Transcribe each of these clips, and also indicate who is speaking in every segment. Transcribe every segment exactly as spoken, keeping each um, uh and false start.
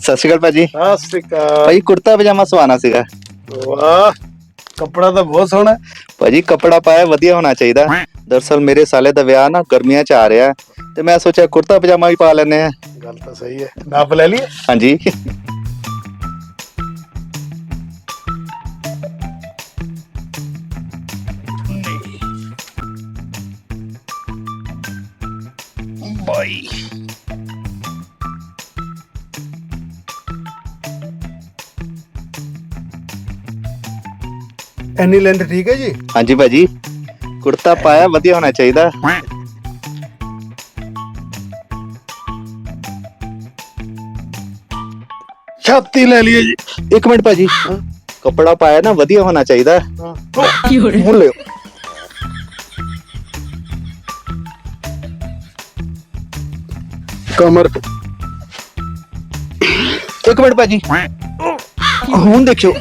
Speaker 1: ਸਤਿ ਸ਼੍ਰੀ ਅਕਾਲ ਭਾਜੀ।
Speaker 2: ਸਤਿ ਸ਼੍ਰੀ ਅਕਾਲ
Speaker 1: ਭਾਜੀ ਕੁੜਤਾ ਪਜਾਮਾ ਸਵਾਣਾ ਸੀਗਾ।
Speaker 2: ਵਾਹ, ਕੱਪੜਾ ਤਾਂ ਬਹੁਤ ਸੋਹਣਾ।
Speaker 1: ਭਾਜੀ ਕੱਪੜਾ ਪਾਇਆ ਵਧੀਆ ਹੋਣਾ ਚਾਹੀਦਾ। ਦਰਅਸਲ ਮੇਰੇ ਸਾਲੇ ਦਾ ਵਿਆਹ ਨਾ ਗਰਮੀਆਂ ਚ ਆ ਰਿਹਾ ਤੇ ਮੈਂ ਸੋਚਿਆ ਕੁੜਤਾ ਪਜਾਮਾ ਵੀ ਪਾ ਲੈਨੇ ਆ।
Speaker 2: ਗੱਲ ਤਾਂ ਸਹੀ ਹੈ। ਨਾਪ ਲੈ ਲਈਏ?
Speaker 1: ਹਾਂਜੀ। ਬਾਈ
Speaker 2: ਇੰਨੀ ਲੈਂਥ ਠੀਕ ਹੈ ਜੀ?
Speaker 1: ਹਾਂਜੀ ਭਾਜੀ, ਕੁੜਤਾ ਪਾਇਆ ਵਧੀਆ ਹੋਣਾ ਚਾਹੀਦਾ।
Speaker 2: ਛਾਤੀ ਲੈ ਲਈਏ ਜੀ?
Speaker 1: ਇੱਕ ਮਿੰਟ ਭਾਜੀ, ਕੱਪੜਾ ਪਾਇਆ ਨਾ ਵਧੀਆ ਹੋਣਾ ਚਾਹੀਦਾ।
Speaker 2: ਹੁਣ ਲਿਓ। ਕਮਰ?
Speaker 1: ਇੱਕ ਮਿੰਟ ਭਾਜੀ, ਹੁਣ ਦੇਖਿਓ।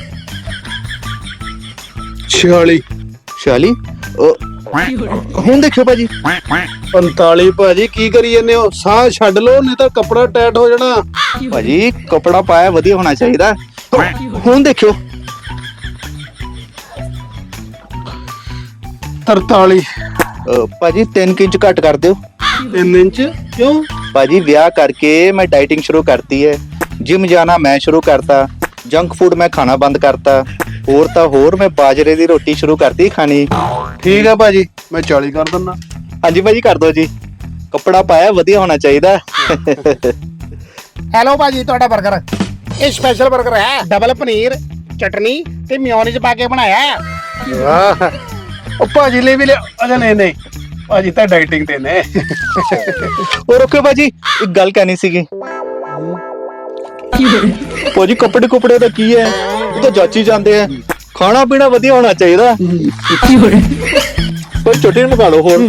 Speaker 2: ਛਿਆਲੀ?
Speaker 1: ਛਿਆਲੀ? ਹੁਣ ਦੇਖਿਓ ਭਾਜੀ।
Speaker 2: ਪੰਤਾਲੀ? ਭਾਜੀ ਕੀ ਕਰੀ ਜਾਂਦੇ ਹੋ? ਸਾਹ ਛੱਡ ਲਓ ਨਹੀਂ ਤਾਂ ਕੱਪੜਾ ਟਾਈਟ ਹੋ ਜਾਣਾ।
Speaker 1: ਭਾਜੀ ਕੱਪੜਾ ਪਾਇਆ ਵਧੀਆ ਹੋਣਾ ਚਾਹੀਦਾ। ਹੁਣ ਦੇਖਿਓ।
Speaker 2: ਤਰਤਾਲੀ?
Speaker 1: ਅ, ਭਾਜੀ ਤਿੰਨ ਇੰਚ ਘੱਟ ਕਰ ਦਿਓ।
Speaker 2: ਤਿੰਨ ਇੰਚ? ਕਿਉਂ?
Speaker 1: ਭਾਜੀ ਵਿਆਹ ਕਰਕੇ ਮੈਂ ਡਾਈਟਿੰਗ ਸ਼ੁਰੂ ਕਰਤੀ ਹੈ। ਜਿਮ ਜਾਣਾ ਮੈਂ ਸ਼ੁਰੂ ਕਰਤਾ। ਜੰਕ ਫੂਡ ਮੈਂ ਖਾਣਾ ਬੰਦ ਕਰਤਾ। ਹੋਰ ਤਾਂ ਹੋਰ ਮੈਂ ਬਾਜਰੇ ਦੀ ਰੋਟੀ ਸ਼ੁਰੂ ਕਰਤੀ ਖਾਣੀ।
Speaker 2: ਠੀਕ ਹੈ ਭਾਜੀ, ਮੈਂ ਚਾਲੀ ਕਰ ਦਿੰਦਾ।
Speaker 1: ਹਾਂਜੀ ਭਾਜੀ ਕਰ ਦਿਓ ਜੀ। ਕੱਪੜਾ ਪਾਇਆ ਵਧੀਆ ਹੋਣਾ ਚਾਹੀਦਾ।
Speaker 3: ਹੈਲੋ ਭਾਜੀ, ਤੁਹਾਡਾ 버ਗਰ ਇਹ ਸਪੈਸ਼ਲ 버ਗਰ ਹੈ। ਡਬਲ ਪਨੀਰ, ਚਟਨੀ ਤੇ ਮਿਓਨੀਜ਼ ਪਾ ਕੇ ਬਣਾਇਆ ਹੈ।
Speaker 2: ਵਾਹ, ਉਹ ਭਾਜੀ ਲਈ ਵੀ ਲਿਆ। ਅਜਾ ਨਹੀਂ ਨਹੀਂ, ਭਾਜੀ ਤਾਂ ਡਾਈਟਿੰਗ ਤੇ ਨੇ।
Speaker 1: ਉਹ ਰੁਕਿਓ ਭਾਜੀ, ਇੱਕ ਗੱਲ ਕਹਿਣੀ ਸੀਗੀ। ਭਾਜੀ ਕੱਪੜੇ ਕੁਪੜੇ ਦਾ ਕੀ ਹੈ, ਉਹ ਤਾਂ ਜਾਚੀ ਜਾਂਦੇ ਆ। ਖਾਣਾ ਪੀਣਾ ਵਧੀਆ ਹੋਣਾ ਚਾਹੀਦਾ। ਕੋਈ ਚਟਨੀ ਮੰਗਾ ਲਓ ਹੋਰ।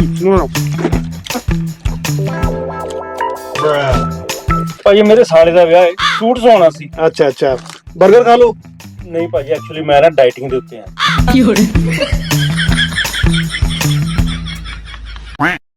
Speaker 4: ਭਾਜੀ ਮੇਰੇ ਸਾਲੇ ਦਾ ਵਿਆਹ ਹੈ, ਸੂਟ ਸਵਾਉਣਾ ਸੀ।
Speaker 2: ਅੱਛਾ ਅੱਛਾ, 버ਗਰ ਖਾ ਲਓ।
Speaker 4: ਨਹੀਂ ਭਾਜੀ, ਐਕਚੁਅਲੀ ਮੈਂ ਨਾ ਡਾਈਟਿੰਗ ਦੇ ਉੱਤੇ ਆ।